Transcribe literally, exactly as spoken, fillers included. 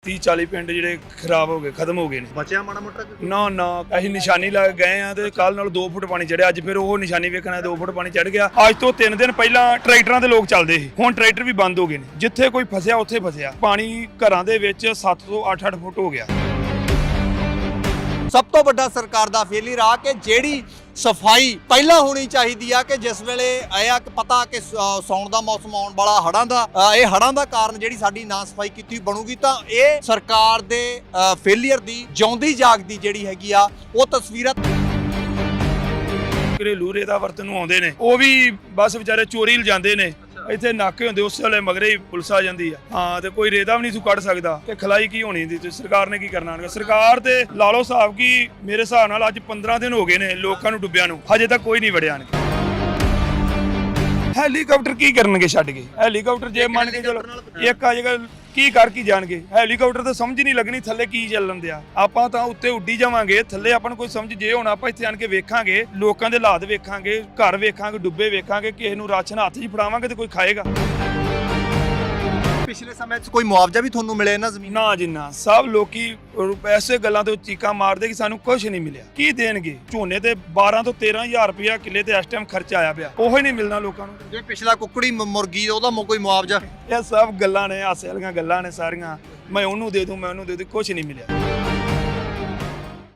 तीस चालीस पिंड ਜਿਹੜੇ ਖਰਾਬ ਹੋ ਗਏ ਖਤਮ ਹੋ ਗਏ ਨੇ। ਬਚਿਆ ਮਾੜਾ ਮੋਟਾ ਨਾ ਨਾ ਅਸੀਂ ਨਿਸ਼ਾਨੀ ਲਾ ਕੇ ਗਏ ਆ ਤੇ ਕੱਲ ਨਾਲ ਦੋ ਫੁੱਟ ਪਾਣੀ ਚੜਿਆ। ਅੱਜ ਫਿਰ ਉਹ ਨਿਸ਼ਾਨੀ ਵੇਖਣਾ ਦੋ ਫੁੱਟ ਪਾਣੀ ਚੜ ਗਿਆ। ਅੱਜ ਤੋਂ ਤਿੰਨ ਦਿਨ ਪਹਿਲਾਂ ਟਰੈਕਟਰਾਂ ਤੇ ਲੋਕ ਚੱਲਦੇ ਸੀ, ਹੁਣ ਟਰੈਕਟਰ ਵੀ ਬੰਦ ਹੋ ਗਏ ਨੇ। ਜਿੱਥੇ ਕੋਈ ਫਸਿਆ ਉੱਥੇ ਫਸਿਆ। ਪਾਣੀ ਘਰਾਂ ਦੇ ਵਿੱਚ ਸੱਤ ਤੋਂ ਅੱਠ ਅੱਠ ਫੁੱਟ ਹੋ ਗਿਆ। ਸਭ ਤੋਂ ਵੱਡਾ ਸਰਕਾਰ ਦਾ ਫੇਲਿਅਰ ਆ ਕਿ ਜਿਹੜੀ ਸਫਾਈ ਪਹਿਲਾਂ ਹੋਣੀ ਚਾਹੀਦੀ ਆ ਕਿ ਜਿਸ ਵੇਲੇ ਆਇਆ ਕਿ ਪਤਾ ਕਿ ਸੌਣ ਦਾ ਮੌਸਮ ਆਉਣ ਵਾਲਾ, ਹੜ੍ਹਾਂ ਦਾ ਇਹ ਹੜ੍ਹਾਂ ਦਾ ਕਾਰਨ ਜਿਹੜੀ ਸਾਡੀ ਨਾ ਸਫਾਈ ਕੀਤੀ ਬਣੂਗੀ ਤਾਂ ਇਹ ਸਰਕਾਰ ਦੇ ਫੇਲਿਅਰ ਦੀ ਜਿਉਂਦੀ ਜਾਗਦੀ ਜਿਹੜੀ ਹੈਗੀ ਆ ਉਹ ਤਸਵੀਰਾਂ। ਘਰੇਲੂ ਰੇਤਾ ਵਰਤਨ ਨੂੰ ਆਉਂਦੇ ਨੇ, ਉਹ ਵੀ ਬਸ ਵਿਚਾਰੇ ਚੋਰੀ ਲਿਜਾਂਦੇ ਨੇ। ਇੱਥੇ ਨਾਕੇ ਹੁੰਦੇ, ਉਸ ਵੇਲੇ ਮਗਰੇ ਹੀ ਪੁਲਿਸ ਆ ਜਾਂਦੀ ਆ। ਹਾਂ ਤੇ ਕੋਈ ਰੇਤਾ ਵੀ ਨਹੀਂ ਤੂੰ ਕੱਢ ਸਕਦਾ ਤੇ ਖਲਾਈ ਕੀ ਹੋਣੀ ਦੀ ਤੇ ਸਰਕਾਰ ਨੇ ਕੀ ਕਰਨਾ? ਸਰਕਾਰ ਤੇ ਲਾ ਲਓ ਹਿਸਾਬ ਕੀ ਮੇਰੇ ਹਿਸਾਬ ਨਾਲ ਅੱਜ ਪੰਦਰਾਂ ਦਿਨ ਹੋ ਗਏ ਨੇ ਲੋਕਾਂ ਨੂੰ ਡੁੱਬਿਆਂ ਨੂੰ, ਹਜੇ ਤੱਕ ਕੋਈ ਨਹੀਂ ਵੜਿਆ। ਹੈਲੀਕਾਪਟਰ ਕੀ ਕਰਨਗੇ ਛੱਡ ਕੇ? ਹੈਲੀਕਾਪਟਰ ਜੇ ਮੰਨ ਕੇ ਚਲੋ ਇੱਕ ਆ ਜੇਗਾ ਕੀ ਕਰ ਕੀ ਜਾਣਗੇ? ਹੈਲੀਕਾਪਟਰ ਤਾਂ ਸਮਝ ਨਹੀਂ ਲੱਗਣੀ ਥੱਲੇ ਕੀ ਚੱਲਣ ਦਿਆ। ਆਪਾਂ ਤਾਂ ਉੱਤੇ ਉੱਡੀ ਜਾਵਾਂਗੇ, ਥੱਲੇ ਆਪਾਂ ਨੂੰ ਕੋਈ ਸਮਝ ਜੇ ਹੁਣ ਆਪਾਂ ਇੱਥੇ ਆਣ ਕੇ ਵੇਖਾਂਗੇ, ਲੋਕਾਂ ਦੇ ਹਾਲਾਤ ਵੇਖਾਂਗੇ, ਘਰ ਵੇਖਾਂਗੇ ਡੁੱਬੇ ਵੇਖਾਂਗੇ, ਕਿਸੇ ਨੂੰ ਰਾਸ਼ਨ ਹੱਥ 'ਚ ਫੜਾਵਾਂਗੇ ਤੇ ਕੋਈ ਖਾਏਗਾ। ਪਿਛਲੇ ਸਮੇਂ 'ਚ ਕੋਈ ਮੁਆਵਜ਼ਾ ਵੀ ਤੁਹਾਨੂੰ ਮਿਲਿਆ ਇਹਨਾਂ ਜ਼ਮੀਨ? ਨਾ ਜਿੰਨਾ ਸਭ ਲੋਕੀ ਐਸੇ ਗੱਲਾਂ ਤੋਂ ਚੀਕਾਂ ਮਾਰਦੇ ਕਿ ਸਾਨੂੰ ਕੁਝ ਨਹੀਂ ਮਿਲਿਆ। ਕੀ ਦੇਣਗੇ? ਝੋਨੇ ਤੇ ਬਾਰਾਂ ਤੋਂ ਤੇਰਾਂ ਹਜ਼ਾਰ ਰੁਪਇਆ ਕਿੱਲੇ ਤੇ ਇਸ ਟਾਈਮ ਖਰਚਾ ਆਇਆ ਪਿਆ, ਉਹ ਹੀ ਨਹੀਂ ਮਿਲਣਾ ਲੋਕਾਂ ਨੂੰ। ਜੇ ਪਿਛਲਾ ਕੁੱਕੜੀ ਮੁਰਗੀ ਉਹਦਾ ਕੋਈ ਮੁਆਵਜ਼ਾ? ਇਹ ਸਭ ਗੱਲਾਂ ਨੇ, ਹਾਸੇ ਵਾਲੀਆਂ ਗੱਲਾਂ ਨੇ ਸਾਰੀਆਂ। ਮੈਂ ਉਹਨੂੰ ਦੇ ਦੂੰ, ਮੈਂ ਉਹਨੂੰ ਦੇ ਦੂੰ, ਕੁਝ ਨਹੀਂ ਮਿਲਿਆ।